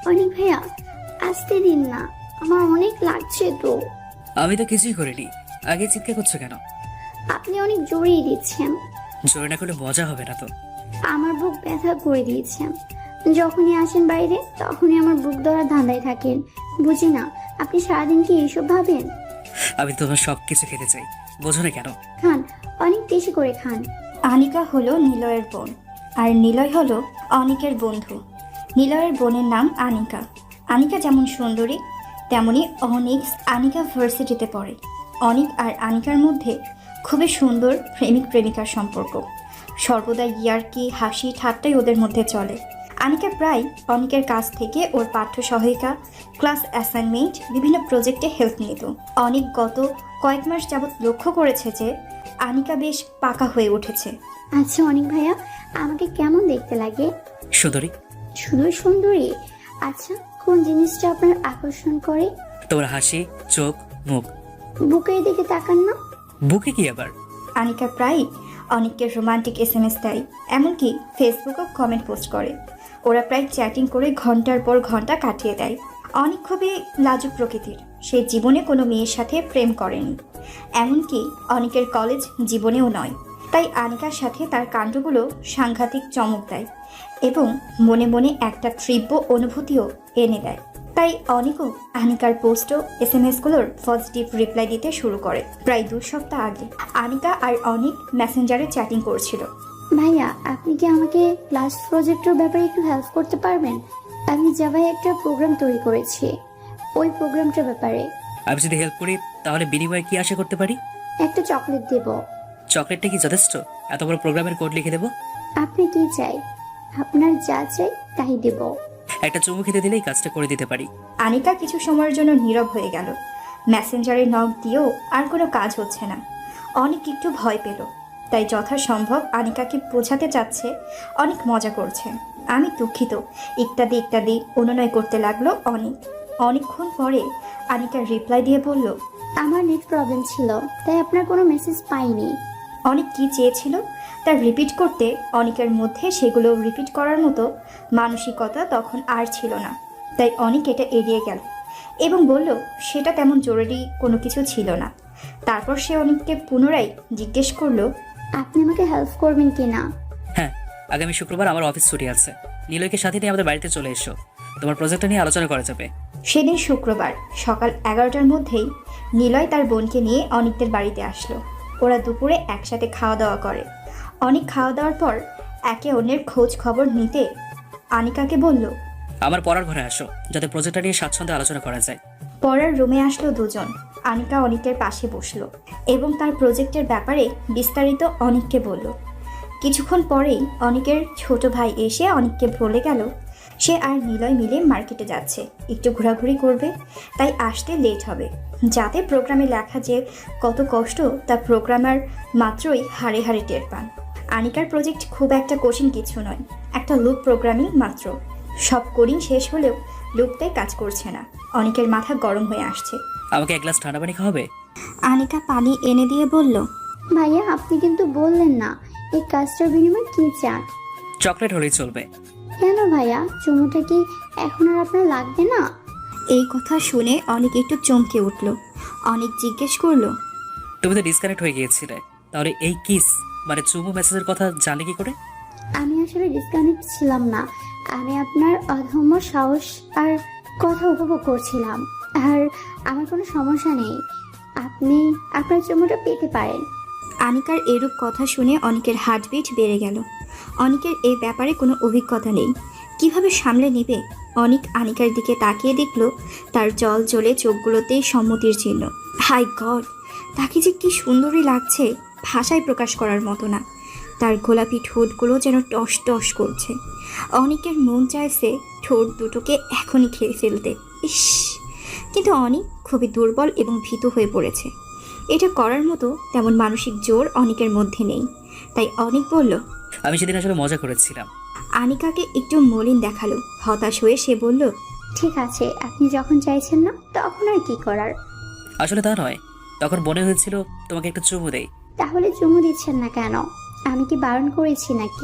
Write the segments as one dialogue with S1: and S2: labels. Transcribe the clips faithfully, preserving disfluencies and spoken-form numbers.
S1: অনেক ভাইয়া, আসতে দিন না, আমার অনেক লাগছে তো।
S2: আমি তো কিছুই করিনি, আগে চিৎকার করছো কেন?
S1: আপনি অনেক জোরেই দিচ্ছেন।
S2: জোরে না করলে মজা হবে না তো।
S1: আমার বুক ব্যথা করে দিয়েছেন। যখনই আসেন বাইরে তখনই আমার বুক ধরা ধাঁধায় থাকেন। বুঝি না আপনি সারাদিন কি এইসব ভাবেন।
S2: আমি তোমার সব কিছু খেতে চাই, বোঝো না কেন?
S1: খান, অনেক বেশি করে খান।
S3: আনিকা হলো নিলয়ের বোন, আর নিলয় হলো অনিকের বন্ধু। নিলয়ের বোনের নাম আনিকা। আনিকা যেমন সুন্দরী, তেমনি অনিক আনিকা ভার্সিটিতে পড়ে। অনিক আর আনিকার মধ্যে খুবই সুন্দর প্রেমিক প্রেমিকার সম্পর্ক। সর্বদা ইয়ার্কি, হাসি, ঠাট্টাই ওদের মধ্যে চলে। আনিকা প্রায় অনিকের কাছ থেকে ওর পাঠ্য সহায়িকা, ক্লাস অ্যাসাইনমেন্ট, বিভিন্ন প্রজেক্টে হেল্প নিত। অনিক গত কয়েক মাস যাবৎ লক্ষ্য করেছে যে আনিকা বেশ পাকা হয়ে উঠেছে।
S1: আচ্ছা অনেক ভাইয়া, আমাকে কেমন দেখতে লাগে?
S2: সুন্দরী।
S1: শুধু সুন্দরী? আচ্ছা, কোন জিনিসটা আপনার আকর্ষণ করে?
S2: তোমার হাসি, চোখ, মুখ।
S1: বুকের দিকে তাকান না।
S2: বুকে কি আবার?
S3: আনিকা প্রায়ই অনিককে রোমান্টিক এস এম এস দেয়, এমনকি ফেসবুকেও কমেন্ট পোস্ট করে। ওরা প্রায় চ্যাটিং করে ঘন্টার পর ঘন্টা কাটিয়ে দেয়। অনিক খুবই লাজুক প্রকৃতির, সে জীবনে কোনো মেয়ের সাথে প্রেম করেনি, এমনকি অনিকের কলেজ জীবনেও নয়। তাই আনিকার সাথে তার কাণ্ডগুলো সাংঘাতিক চমক দেয় এবং মনে মনে একটা তীব্র অনুভূতিও এনে দেয়। তাই অনিকও আনিকার পোস্ট ও এস এম এসগুলোর পজিটিভ রিপ্লাই দিতে শুরু করে। প্রায় দু সপ্তাহ আগে আনিকা আর অনিক মেসেঞ্জারে চ্যাটিং করছিল।
S1: ভাইয়া, আপনি কি আমাকে ক্লাস প্রজেক্টের ব্যাপারে একটু হেল্প করতে পারবেন? আমি জাভায় একটা প্রোগ্রাম তৈরি করেছি, ওই প্রোগ্রামটার ব্যাপারে।
S2: আমি যদি হেল্প করি তাহলে বিনিময়ে কি আশা করতে পারি?
S1: একটা চকলেট দেব।
S2: চকলেটটা কি যথেষ্ট? এত বড় প্রোগ্রামের কোড লিখে দেবো?
S1: আপনি কি চাই? আপনার যা চাই তাই দেব।
S2: একটা চুমু খেতে দিলেই কাজটা করে দিতে পারি।
S3: আনিকা কিছু সময়ের জন্য নীরব হয়ে গেল। মেসেঞ্জারে নক দিয়েও আর কোনো কাজ হচ্ছে না। অনেক একটু ভয় পেল, তাই যথাসম্ভব আনিকাকে বোঝাতে চাচ্ছে অনেক মজা করছে। আমি দুঃখিত, ইত্যাদি ইত্যাদি অনুনয় করতে লাগলো অনেক। অনেকক্ষণ পরে আনিকার রিপ্লাই দিয়ে বলল,
S1: আমার নেট প্রবলেম ছিল, তাই আপনার কোনো মেসেজ পাইনি।
S3: অনেক কি চেয়েছিল তার রিপিট করতে অনেকের মধ্যে সেগুলো রিপিট করার মতো মানসিকতা তখন আর ছিল না। তাই অনেক এটা এড়িয়ে গেল এবং বলল সেটা তেমন জরুরি কোনো কিছু ছিল না। তারপর সে অনেককে পুনরায় জিজ্ঞেস করলো,
S1: আপনি আমাকে হেল্প করবেন কি না?
S2: হ্যাঁ, আগামী শুক্রবার আমার অফিস ছুটি আছে। নিলয়কে সাথে নিয়ে আমাদের বাড়িতে চলে এসো, তোমার প্রজেক্টটা নিয়ে আলোচনা করা যাবে।
S3: সেদিন শুক্রবার সকাল এগারোটার মধ্যেই নিলয় তার বোনকে নিয়ে অনিকদের বাড়িতে আসলো। ওরা দুপুরে একসাথে খাওয়া দাওয়া করে। অনেক খাওয়া দাওয়ার পর একে অন্যের খোঁজ খবর নিতে আনিকাকে বলল,
S2: আমার পড়ার ঘরে আসো, যাতে প্রজেক্টটা নিয়ে স্বাচ্ছন্দ্যে আলোচনা করা যায়।
S3: পড়ার রুমে আসলো দুজন। আনিকা অনিকের পাশে বসলো এবং তার প্রজেক্টের ব্যাপারে বিস্তারিত অনিককে বলল। কিছুক্ষণ পরেই অনিকের ছোট ভাই এসে অনিককে বলে গেল সে আর নিলয় মিলে মার্কেটে যাচ্ছে, একটু ঘোরাঘুরি করবে, তাই আসতে লেট হবে। যাতে প্রোগ্রামে লেখা যে কত কষ্ট তা প্রোগ্রামার মাত্রই হাড়ে হাড়ে টের পান। আনিকার প্রজেক্ট খুব একটা কঠিন কিছু নয়, একটা লুপ প্রোগ্রামিং মাত্র। সব কোডিং শেষ হলেও লুপটাই কাজ করছে না। অনিকের মাথা গরম হয়ে আসছে।
S2: আমাকে এক গ্লাস ঠান্ডা পানি খাওয়াবে?
S3: আনিকা পানি এনে দিয়ে বলল,
S1: ভাইয়া, আপনি কিন্তু বললেন না এই কাজটার বিনিময়ে কি চান।
S2: চকলেট হলেই চলবে।
S1: কেন ভাইয়া, চুমুটা কি এখন আর আপনার লাগবে না?
S3: এই কথা শুনে অনেক একটু চমকে উঠল। অনেক জিজ্ঞেস করলো,
S2: তুমি তো ডিসকানেক্ট হয়ে গিয়েছিলে, তাহলে এই কিস মানে চুমু মেসেজের কথা জানলে কি করে?
S1: আমি আসলে ডিসকানেক্ট ছিলাম না, আমি আপনার অধম্য সাহস আর কথা উপভোগ করছিলাম। আর আমার কোনো সমস্যা নেই, আপনি আপনার চুমুটা পেতে পারেন।
S3: আনিকার এরূপ কথা শুনে অনেকের হার্টবিট বেড়ে গেল। অনেকের এই ব্যাপারে কোনো অভিজ্ঞতা নেই, কিভাবে সামলে নেবে। অনেক আনিকার দিকে তাকিয়ে দেখলো তার জল জ্বলে চোখগুলোতেই সম্মতির চিহ্ন। হাই গড, তাকে যে কি সুন্দরই লাগছে, ভাষায় প্রকাশ করার মতো না। তার গোলাপি ঠোঁটগুলো যেন টস টস করছে। অনেকের মন চাইছে ঠোঁট দুটোকে এখনই খেয়ে ফেলতে। ইস, কিন্তু অনেক খুবই দুর্বল এবং ভীত হয়ে পড়েছে। এটা করার মতো তেমন মানসিক জোর অনেকের মধ্যে নেই। তাই অনেক বলল,
S2: আমি সেদিন আসলে মজা করেছিলাম।
S3: আনিকাকে একটু মলিন দেখালো। হতাশ হয়ে সে বলল,
S1: ঠিক আছে, আপনি যখন চাইছেন না তখন আর কি করার।
S2: আসলে তা নয়, তখন মনে হয়েছিল তোমাকে একটু চুমু দেই।
S1: তাহলে চুমু দিচ্ছেন না কেন? আমি কি বারণ করেছি নাকি?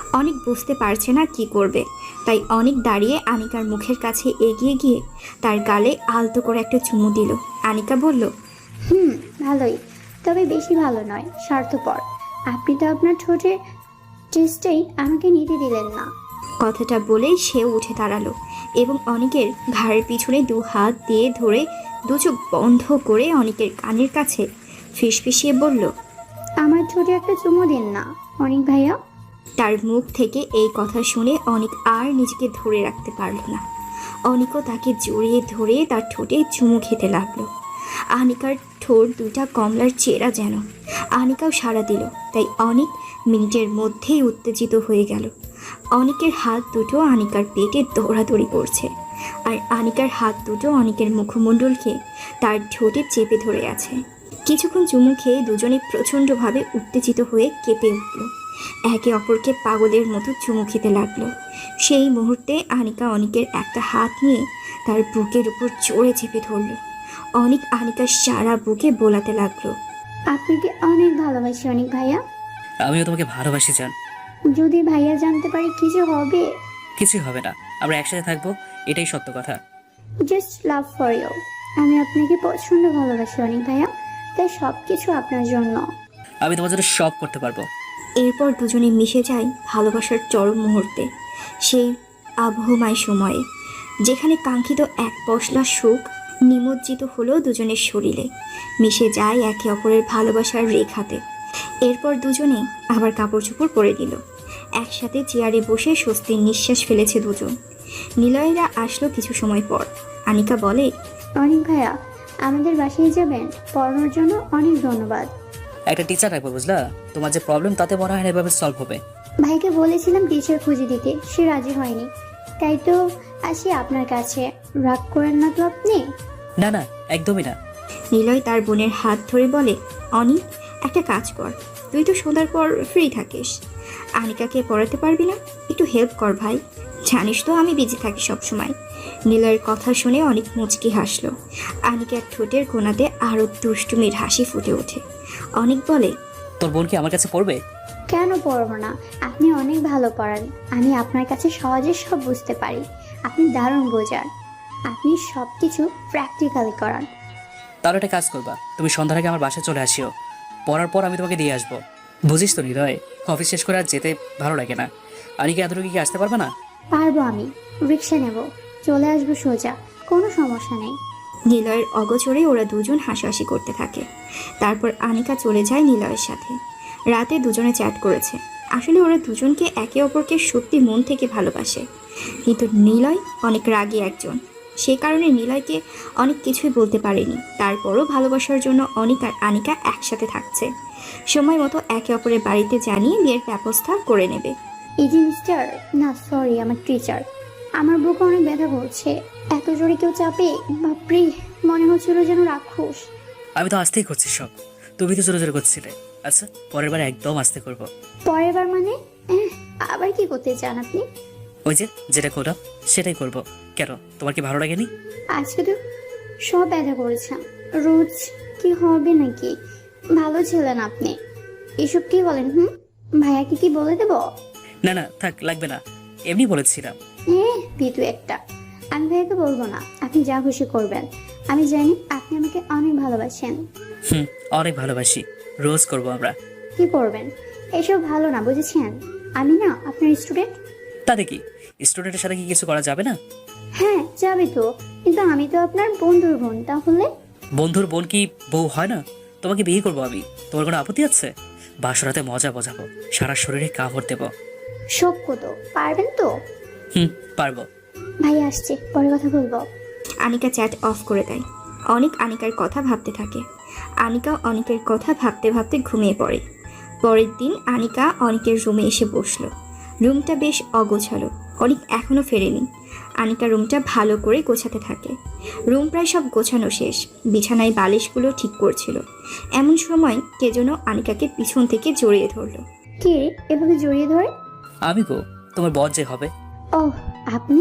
S3: অনেক বুঝতে পারছে না কি করবে, তাই অনেক দাঁড়িয়ে আনিকার মুখের কাছে এগিয়ে গিয়ে তার গালে আলতো করে একটা চুমু দিল। আনিকা বলল,
S1: হুম, ভালোই, তবে বেশি ভালো নয়, স্বার্থপর। আপনি তো আপনার ঠোঁটে টেস্টেই আমাকে নিতে দিলেন না।
S3: কথাটা বলেই সে উঠে দাঁড়ালো এবং অনেকের ঘাড়ের পিছনে দু হাত দিয়ে ধরে দু চোখ বন্ধ করে অনেকের কানের কাছে ফিসফিসিয়ে বলল,
S1: আমার ঠোঁটে একটা চুমু দিন না অনিক ভাইয়া।
S3: তার মুখ থেকে এই কথা শুনে অনেক আর নিজেকে ধরে রাখতে পারল না। অনিকও তাকে জড়িয়ে ধরে তার ঠোঁটে চুমু খেতে লাগলো। আনিকার ঠোঁট দুটা কমলার চেরা যেন। আনিকাও সাড়া দিল, তাই অনেক মিনিটের মধ্যেই উত্তেজিত হয়ে গেল। অনেকের হাত দুটো আনিকার পেটে দৌড়াদৌড়ি করছে, আর আনিকার হাত দুটো অনেকের মুখমণ্ডলকে তার ঠোঁটে চেপে ধরে আছে। কিছুক্ষণ চুমু খেয়ে দুজনে প্রচণ্ডভাবে উত্তেজিত হয়ে কেঁপে উঠল, একে অপরকে পাগলের মতো চুমু খেতে লাগলো। সেই মুহূর্তে আনিকা অনিকের একটা হাত নিয়ে তার বুকের উপর জোরে চেপে ধরল। অনিক আনিকার সারা বুকে বোলাতে লাগলো,
S1: আপনাকে অনেক ভালোবাসি অনিক ভাইয়া।
S2: আমিও তোমাকে ভালোবাসি জান।
S1: যদি ভাইয়া জানতে পারি কিছু হবে?
S2: কিছুই হবে না, আমরা একসাথে থাকবো, এটাই সত্য কথা।
S1: Just love for you. আমি আপনাকে প্রচন্ড ভালোবাসি অনিক ভাইয়া, তাই সব কিছু আপনার জন্য।
S2: আমি তোমার জন্য সব করতে পারবো।
S3: এরপর দুজনে মিশে যায় ভালোবাসার চরম মুহূর্তে, সেই আবহমায় সময়ে যেখানে কাঙ্ক্ষিত এক পশলা সুখ নিমজ্জিত হলো দুজনের শরীরে, মিশে যায় একে অপরের ভালোবাসার রেখাতে। এরপর দুজনে আবার কাপড় চোপড় পরে দিল। একসাথে চেয়ারে বসে স্বস্তির নিঃশ্বাস ফেলেছে দুজন। নিলয়েরা আসলো কিছু সময় পর। আনিকা বলে,
S1: অনিক ভাইয়া, আমাদের বাসায় যাবেন? পড়ানোর জন্য অনেক ধন্যবাদ।
S2: একটা টিচার রাখবো বুঝলা, তোমার যে প্রবলেম তাতে মনে হয় না এভাবে সলভ হবে।
S1: ভাইকে বলেছিলাম টিচার খুঁজে দিতে, সে রাজি হয়নি, তাই তো আসি আপনার কাছে। রাগ করেন না তো আপনি?
S2: না না, একদমই না।
S3: নিলয় তার বোনের হাত ধরে বলে, অনি, একটা কাজ কর, তুই তো সন্ধ্যার পর ফ্রি থাকিস, আনিকাকে পড়াতে পারবি না? একটু হেল্প কর ভাই, জানিস তো আমি বিজি থাকি সবসময়। নিলয়ের কথা শুনে অনেক মুচকি হাসলো। আনিকার ঠোঁটের কোণাতে আরও দুষ্টুমির হাসি ফুটে ওঠে। অনেক বলে,
S2: তোর বোন কি আমার কাছে পড়বে?
S1: কেন পড়বো না? আপনি অনেক ভালো পড়ান, আমি আপনার কাছে সহজে সব বুঝতে পারি। আপনি দারুণ বোঝান, আপনি সব কিছু প্র্যাকটিক্যালি করান।
S2: তাহলে একটা কাজ করবা, তুমি সন্ধ্যার আগে আমার বাসায় চলে আসিও, পড়ার পর আমি তোমাকে দিয়ে আসবো। বুঝিস তো নিলয়, অফিস শেষ করে আর যেতে ভালো লাগে না। আনিকে এতটুকু কি আসতে পারবে না?
S1: পারবো, আমি রিক্সা নেব, চলে আসবো সোজা, কোনো সমস্যা নেই।
S3: নিলয়ের অগোচরে ওরা দুজন হাসাহাসি করতে থাকে। তারপর আনিকা চলে যায় নিলয়ের সাথে। রাতে দুজনে চ্যাট করেছে। আসলে ওরা দুজনকে একে অপরকে সত্যি মন থেকে ভালোবাসে, কিন্তু নিলয় অনেক রাগী একজন, সে কারণে নিলয়কে অনেক কিছুই বলতে পারেনি। তারপরও ভালোবাসার জন্য অনিক আর আনিকা একসাথে থাকছে। সময় মতো একে অপরের বাড়িতে জানিয়ে বিয়ের ব্যবস্থা করে নেবে।
S1: এই যে মিস্টার, না সরি, আমার টিচার, আমার বুকে অনেক ব্যথা করছে, এত জোরে কেউ চাপে, বাপরে, মনে হচ্ছিল যেন রাক্ষস।
S2: আমি তো আসতেই করছি সব, তুমি তো জোরে জোরে করছিলে। আচ্ছা, পরের বার একদম আসতে করবো।
S1: পরের বার মানে? এহ, আবার কি করতে চান আপনি?
S2: ওই যে যেটা করলাম সেটাই করবো। কেন, তোমার কি ভালো লাগেনি?
S1: আজকে তো সব ব্যথা করেছেন, রোজ কি হবে নাকি? ভালো ছিলেন আপনি। এসব কি বলেন? হুম, ভাইয়াকে কি বলে দেব?
S2: না না থাক, লাগবে না, এমনি বলেছিলাম।
S1: হ্যাঁ, পিতু একটা। আমি ভাইয়াকে বলবো না, আপনি যা খুশি করবেন। আমি জানি আপনি আমাকে অনেক ভালোবাসেন।
S2: হুম, অনেক ভালোবাসি, রোজ করবো আমরা।
S1: কি করবেন? এসব ভালো না, বুঝেছেন? আমি না আপনার স্টুডেন্ট।
S2: তাতে কি, স্টুডেন্টের সাথে কি কিছু করা যাবে না?
S1: হ্যাঁ যাবে তো, কিন্তু আমি তো আপনার বন্ধুর বোন, তাহলে?
S2: বন্ধুর বোন কি বউ হয় না? তোমাকে বিয়ে করবো আমি, তোমার কোনো আপত্তি আছে? বাসরাতে মজা বোঝাবো, সারা শরীরে কাপড় দেবো।
S1: সক্য তো, পারবেন তো?
S2: হুম, পারবো।
S1: ভাই আসছে, পরে কথা বলবো।
S3: আনিকা চ্যাট অফ করে দেয়। অনেক আনিকার কথা ভাবতে থাকে। আনিকা অনেকের কথা ভাবতে ভাবতে ঘুমিয়ে পড়ে। পরের দিন আনিকা অনেকের রুমে এসে বসলো। রুমটা বেশ অগোছালো, অনেক এখনও ফেরেনি। আনিকা রুমটা ভালো করে গোছাতে থাকে। রুম প্রায় সব গোছানো শেষ, বিছানায় বালিশগুলো ঠিক করছিল। এমন সময় কে যেন আনিকাকে পিছন থেকে জড়িয়ে ধরলো।
S1: কে এভাবে জড়িয়ে ধরে?
S2: আমি গো, তোমার বর যে হবে।
S1: ওহ, আপনি?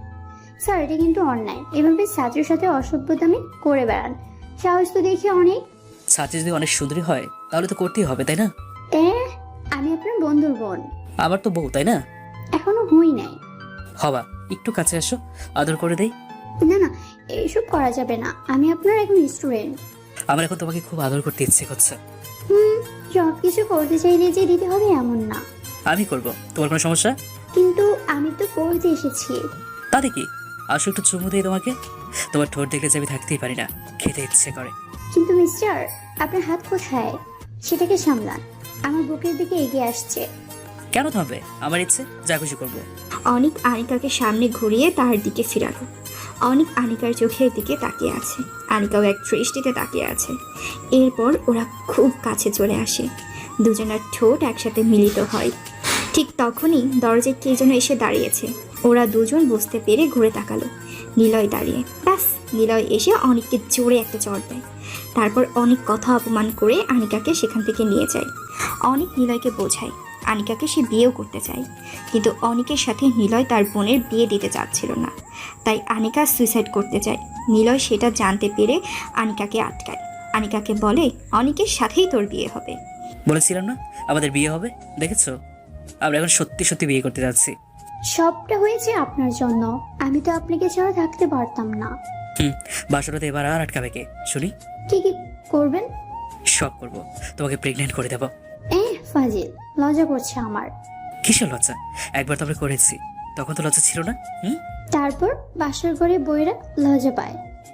S1: স্যার, এটা কিন্তু অন্যায়, এভাবে ছাত্রের সাথে অসভ্যতামি করে বেড়ান। সাহস তো দেখি অনেক।
S2: ছাত্রী যদি অনেক সুন্দরী হয় তাহলে তো করতেই হবে, তাই না?
S1: এ, আমি আপনার বন্ধুর বোন।
S2: আমার তো বউ, তাই না?
S1: এখনো হই নাই।
S2: হবা, একটু কাছে আসো, আদর করে দেই।
S1: না না, এইসব করা যাবে না, আমি আপনার এখন স্টুডেন্ট।
S2: আমার এখন তোমাকে খুব আদর করতে ইচ্ছে করছে।
S1: হুম, সব কিছু করতে চাইলে যে দিতে হবে এমন না।
S2: আমি করব, তোমার কোনো সমস্যা?
S1: কিন্তু আমি তো পড়তে এসেছি।
S2: তাতে কি, আসো একটু চুমু দিই তোমাকে। তোমার ঠোঁট দেখলে যে আমি থাকতেই পারি না, খেতে ইচ্ছে করে।
S1: কিন্তু মিস্টার, আপনার হাত কোথায়? সেটাকে সামলান, আমার বুকের দিকে এগিয়ে আসছে।
S2: কেন থামবে? আমার ইচ্ছে, যা খুশি করবো।
S3: অনিক আনিকাকে সামনে ঘুরিয়ে তার দিকে ফিরালো। অনিক আনিকার চোখের দিকে তাকিয়ে আছে, আনিকাও এক দৃষ্টিতে তাকিয়ে আছে। এরপর ওরা খুব কাছে চলে আসে, দুজনের ঠোঁট একসাথে মিলিত হয়। ঠিক তখনই দরজায় কে যেন এসে দাঁড়িয়েছে। ওরা দুজন বুঝতে পেরে ঘুরে তাকালো, নিলয় দাঁড়িয়ে। ব্যাস, নিলয় এসে অনিককে জোরে একটা চড় দেয়। তারপর অনেক কথা অপমান করে আনিকাকে সেখান থেকে নিয়ে যায়। অনিক নিলয়কে বোঝায় আনিকাকে সে বিয়েও করতে চায়, কিন্তু অনিকের সাথে নিলয় তার বোনের বিয়ে দিতে চাচ্ছিল না, তাই আনিকা সুইসাইড করতে চায়। নিলয় সেটা জানতে পেরে আনিকাকে আটকায়, আনিকাকে বলে অনিকের সাথেই তোর বিয়ে হবে।
S2: বলেছিলাম না আমাদের বিয়ে হবে, দেখেছো? আমরা এখন সত্যি সত্যি বিয়ে করতে যাচ্ছি।
S1: সবটা হয়েছে আপনার জন্য, আমি তো আপনাকে ছাড়া থাকতে পারতাম না।
S2: হুম, বাসরাতে এবার আর আটকাবে কে শুনি?
S1: কি কি করবেন?
S2: সব করবো, তোমাকে প্রেগনেন্ট করে দেবো।
S1: এ ফাজিল, লজ্জা করছে আমার।
S2: কিসের লজ্জা? একবার তো আমরা করেছি, তখন তো লজ্জা ছিল না। হুম,
S1: তারপর বাসর ঘরে বইরা লজ্জা পায়।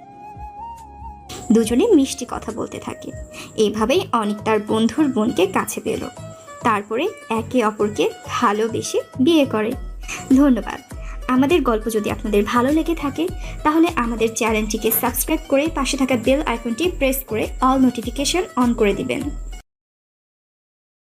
S3: দুজনে মিষ্টি কথা বলতে থাকে। এইভাবেই অনিক তার বন্ধুর বোনকে কাছে পেল, তারপরে একে অপরকে ভালোবেসে বিয়ে করে। ধন্যবাদ। আমাদের গল্প যদি আপনাদের ভালো লেগে থাকে তাহলে আমাদের চ্যানেলটিকে সাবস্ক্রাইব করে পাশে থাকা বেল আইকনটি প্রেস করে অল নোটিফিকেশন অন করে দিবেন।